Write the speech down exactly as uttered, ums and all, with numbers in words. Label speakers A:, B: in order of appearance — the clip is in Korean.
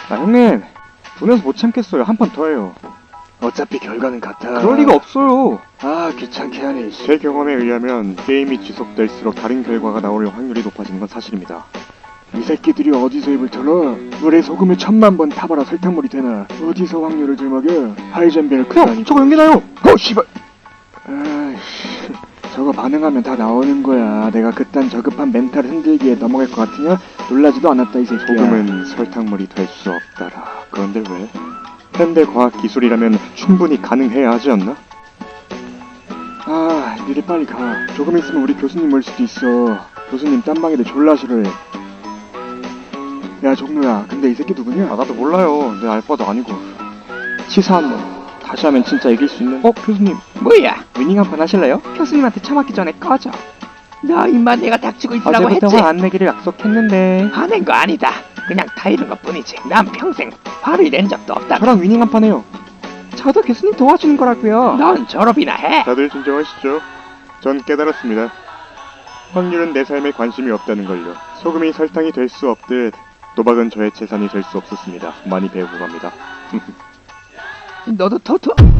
A: 아 형님, 분해서 못 참겠어요. 한 판 더 해요.
B: 어차피 결과는 같아.
A: 그럴 리가 없어요.
B: 아, 귀찮게 하네.
A: 제 경험에 의하면 게임이 지속될수록 다른 결과가 나올 확률이 높아지는 건 사실입니다.
B: 이 새끼들이 어디서 입을 털어? 물에 소금을 천만 번 타봐라 설탕물이 되나? 어디서 확률을 들먹여? 하이젠벨크
A: 형,
B: 아니고.
A: 저거 연기나요? 어, 씨발.
B: 아이씨, 저거 반응하면 다 나오는 거야. 내가 그딴 저급한 멘탈 흔들기에 넘어갈 것 같으냐? 놀라지도 않았다 이 새끼야.
A: 소금은 설탕물이 될 수 없다라. 그런데 왜? 현대 과학 기술이라면 충분히 가능해야 하지 않나?
B: 아, 니네 빨리 가. 조금 있으면 우리 교수님 올 수도 있어. 교수님 딴방에도 졸라 싫어해. 야, 종로야. 근데 이 새끼 누구냐?
A: 아, 나도 몰라요. 내 알바도 아니고.
B: 치사한 놈. 다시 하면 진짜 이길 수 있는.
A: 어, 교수님.
C: 뭐야?
A: 위닝 한 판 하실래요?
C: 교수님한테 처맞기 전에 꺼져. 너 임마 내가 닥치고 있으라고
A: 어제부터
C: 했지?
A: 화 안 내기를 약속했는데.
C: 화낸 거 아니다. 그냥 타이른 것 뿐이지. 난 평생 화를 낸 적도 없다.
A: 저랑 위닝 한 판 해요. 저도 교수님 도와주는 거라고요.
C: 넌 졸업이나 해.
A: 다들 진정하시죠. 전 깨달았습니다. 확률은 내 삶에 관심이 없다는 걸요. 소금이 설탕이 될 수 없듯 도박은 저의 재산이 될 수 없었습니다. 많이 배우고 갑니다.
C: 너도 토토.